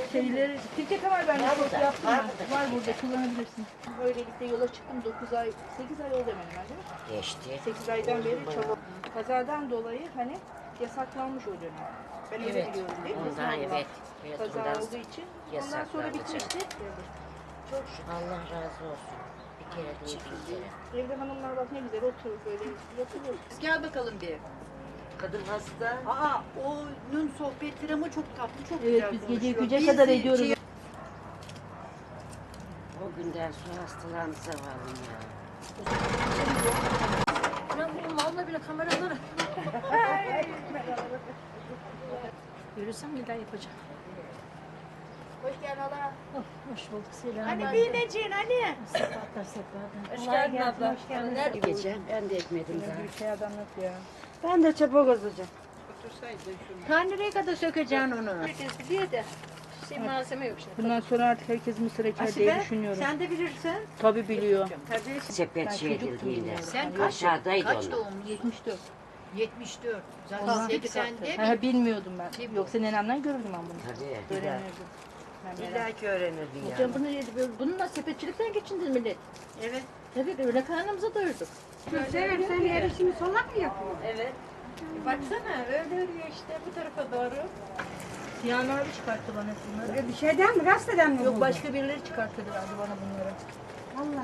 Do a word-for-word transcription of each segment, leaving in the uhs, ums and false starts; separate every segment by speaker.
Speaker 1: şeyleri, Fikret var ben de çok
Speaker 2: burada,
Speaker 1: yaptım.
Speaker 2: var
Speaker 1: ben.
Speaker 2: burada.
Speaker 1: Var burada, kullanabilirsin. Böylelikle yola çıktım dokuz ay, sekiz ay oldu hemen hemen değil mi?
Speaker 2: Geçti.
Speaker 1: sekiz aydan beri çaba. Kazadan dolayı hani yasaklanmış o dönem. Ben öyle
Speaker 2: Evet.
Speaker 1: biliyorum değil mi?
Speaker 2: Ondan
Speaker 1: Sınavlar.
Speaker 2: evet. Evet,
Speaker 1: Kaza
Speaker 2: ondan
Speaker 1: olduğu için. Ondan sonra
Speaker 2: yasaklandı
Speaker 1: bitmişti.
Speaker 2: Çok şükür. Allah razı olsun. Bir kere değil bir kere.
Speaker 1: Evde hanımlar bak ne güzel oturur böyle yatılır.
Speaker 3: Gel bakalım bir.
Speaker 2: Kadın hasta.
Speaker 3: Aa, onun sohbetleri ama çok tatlı, çok
Speaker 1: Evet,
Speaker 3: güzel
Speaker 1: biz gece
Speaker 3: konuşuyor.
Speaker 1: güce
Speaker 3: Biz
Speaker 1: kadar
Speaker 3: de
Speaker 1: ediyoruz.
Speaker 3: şey-
Speaker 2: O günden sonra hastalandı zavallım ya.
Speaker 4: Ben bunun valla bile kameraları. Yürüsem bir daha yapacağım.
Speaker 1: Hoş geldin Allah.
Speaker 4: Oh, hoş bulduk Selam.
Speaker 3: Hani Bineciğin hani?
Speaker 4: Sefatlar sefatlar.
Speaker 1: Hoş geldin abla. Hoş geldin.
Speaker 2: Nerede gece? Ben de ekmedim daha.
Speaker 1: Bir şey anlat ya.
Speaker 2: Ben de çabuk olacağım.
Speaker 3: Ta nereye kadar sökeceksin onu?
Speaker 4: Herkes biliyor da şey malzeme yok şimdi.
Speaker 1: Bundan sonra artık herkes mısır eker diye
Speaker 3: Asibe,
Speaker 1: düşünüyorum.
Speaker 3: sen de bilirsin.
Speaker 1: Tabii biliyor.
Speaker 3: Tabii.
Speaker 2: Sepet
Speaker 1: Ben
Speaker 2: şey
Speaker 1: çocuktum
Speaker 2: edildiğinde.
Speaker 1: bilmiyorum.
Speaker 3: Sen kaç,
Speaker 2: Aşağıdaydı
Speaker 3: kaç
Speaker 2: onu.
Speaker 3: doğumlu?
Speaker 1: yetmiş dört.
Speaker 3: yetmiş dört. Zaten
Speaker 1: Ondan
Speaker 3: seksende
Speaker 1: Ha,
Speaker 3: bir.
Speaker 1: bilmiyordum ben.
Speaker 3: Bir bu.
Speaker 1: Yoksa nenemden görürdüm ben bunu.
Speaker 2: Tabii.
Speaker 1: Öğrenirdim. Ben merak-
Speaker 2: İlla ki öğrenirdin ya.
Speaker 4: Hocam bunu bununla sepetçilikten geçindiniz millet.
Speaker 3: Evet.
Speaker 4: Tabii öyle karnımıza doyurduk.
Speaker 3: Sever sen yarışını solak mı yapıyor?
Speaker 4: Evet. Baksana öyle örüyor işte bu tarafa doğru.
Speaker 1: Sinan abi çıkarttı bana bunları.
Speaker 5: Bir şeyden mi? Gazeteden mi?
Speaker 1: Yok
Speaker 5: buldun?
Speaker 1: başka birileri çıkarttırdı bana bunları.
Speaker 5: Allah.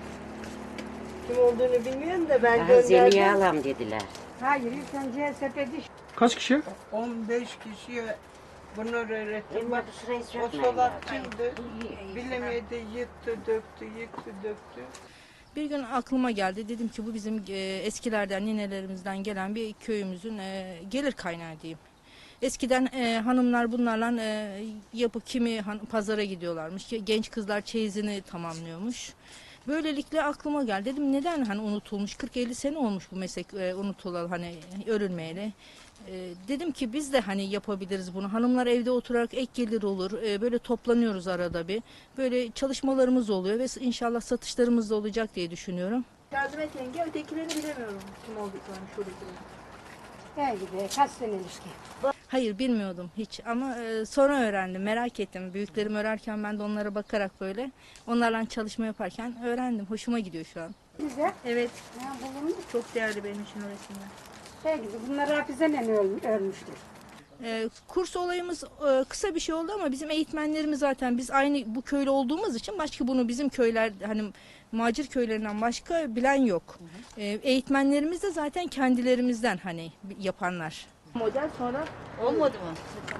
Speaker 6: Kim olduğunu bilmiyorum da ben
Speaker 2: Daha Zeliha
Speaker 6: gönderdim.
Speaker 2: alam dediler.
Speaker 5: Hayır, ilk önce sepeti
Speaker 7: Kaç kişi?
Speaker 6: on beş kişiye bunları öğrettim.
Speaker 2: Elma
Speaker 6: Bak
Speaker 2: bu sırayı
Speaker 6: o
Speaker 2: sökmeyin.
Speaker 6: solakçıydı. Bilemedi, yıktı, döktü, yıktı, döktü.
Speaker 1: Bir gün aklıma geldi. Dedim ki bu bizim e, eskilerden, ninelerimizden gelen bir köyümüzün e, gelir kaynağı diyeyim. Eskiden e, hanımlar bunlarla e, yapı kimi han- pazara gidiyorlarmış. Genç kızlar çeyizini tamamlıyormuş. Böylelikle aklıma geldi. Dedim neden hani unutulmuş? kırk elli sene olmuş bu meslek e, unutulalı hani örülmeyeli. E, dedim ki biz de hani yapabiliriz bunu. Hanımlar evde oturarak ek gelir olur. E, böyle toplanıyoruz arada bir. Böyle çalışmalarımız oluyor ve inşallah satışlarımız da olacak diye düşünüyorum. Yardım et yenge. Ötekilerini bilemiyorum kim olduklarını şuradakilerini.
Speaker 5: belki kaç sene ilişki.
Speaker 1: Hayır bilmiyordum hiç ama e, sonra öğrendim. Merak ettim. Büyüklerim örerken ben de onlara bakarak böyle onlarla çalışma yaparken öğrendim. Hoşuma gidiyor şu an.
Speaker 5: Bize
Speaker 1: Evet.
Speaker 5: ya, bulunmuş.
Speaker 1: Çok değerli benim için o resimler.
Speaker 5: Belki de bunlar hafizenen öl, ölmüştür.
Speaker 1: Ee, kurs olayımız e, kısa bir şey oldu ama bizim eğitmenlerimiz zaten biz aynı bu köylü olduğumuz için başka bunu bizim köyler hani macir köylerinden başka bilen yok. Ee, eğitmenlerimiz de zaten kendilerimizden hani yapanlar. Model sonra
Speaker 3: Olmadı mı?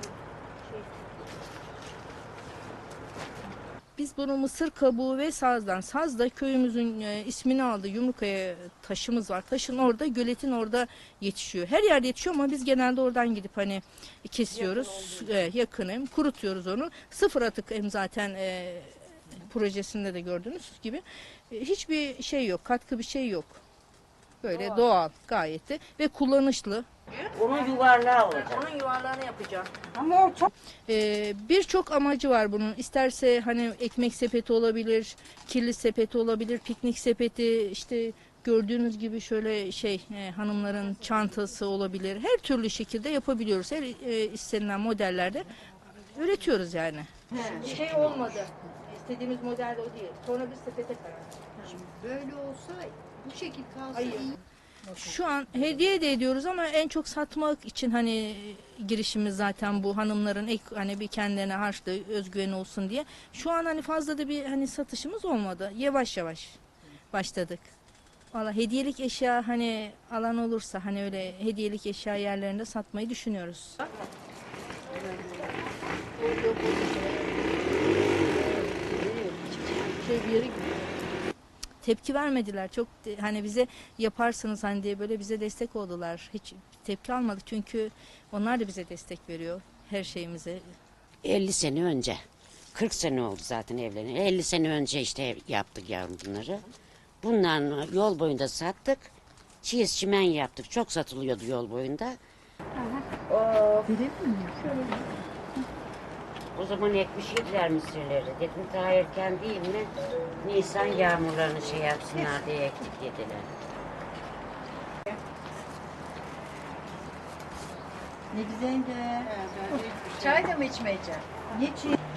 Speaker 1: biz bunu mısır kabuğu ve sazdan. Saz da köyümüzün e, ismini aldı. Yumrukaya taşımız var. Taşın orada, göletin orada yetişiyor. Her yerde yetişiyor ama biz genelde oradan gidip hani kesiyoruz. Yakın, yakınım. Kurutuyoruz onu. Sıfır atık hem zaten e, projesinde de gördüğünüz gibi. E, hiçbir şey yok. Katkı bir şey yok. Böyle doğal, doğal gayet de ve kullanışlı.
Speaker 2: Onun yuvarlağı olacak.
Speaker 1: Onun yuvarlağını yapacağım.
Speaker 5: Ama o çok
Speaker 1: Ee, birçok amacı var bunun. İsterse hani ekmek sepeti olabilir, kirli sepeti olabilir, piknik sepeti, işte gördüğünüz gibi şöyle şey e, hanımların çantası olabilir. Her türlü şekilde yapabiliyoruz. Her e, istenilen modellerde üretiyoruz yani. Şey olmadı. İstediğimiz model o değil. Sonra bir sepete karar verdik.
Speaker 3: Böyle olsa bu şekil kalsa
Speaker 1: Hayır.
Speaker 3: iyi.
Speaker 1: Şu an hediye de ediyoruz ama en çok satmak için hani girişimiz zaten bu hanımların ek hani bir kendilerine harçlı özgüveni olsun diye. Şu an hani fazla da bir hani satışımız olmadı. Yavaş yavaş başladık. Valla hediyelik eşya hani alan olursa hani öyle hediyelik eşya yerlerinde satmayı düşünüyoruz. Şey bir yere gidiyor. Tepki vermediler. Çok de- hani bize yaparsınız hani diye böyle bize destek oldular. Hiç tepki almadık çünkü onlar da bize destek veriyor her şeyimize.
Speaker 2: elli sene önce. kırk sene oldu zaten evleneli. elli sene önce işte yaptık yavrum bunları. Bunların yol boyunda sattık. Çiğiz çimen yaptık. Çok satılıyordu yol boyunda. O zaman ekmiş yediler mısırları. Dedim daha erken değil mi? Nisan yağmurlarını şey yapsınlar diye ektik yediler.
Speaker 3: Ne güzel de. Çay da mı içmeyeceksin? Niçin?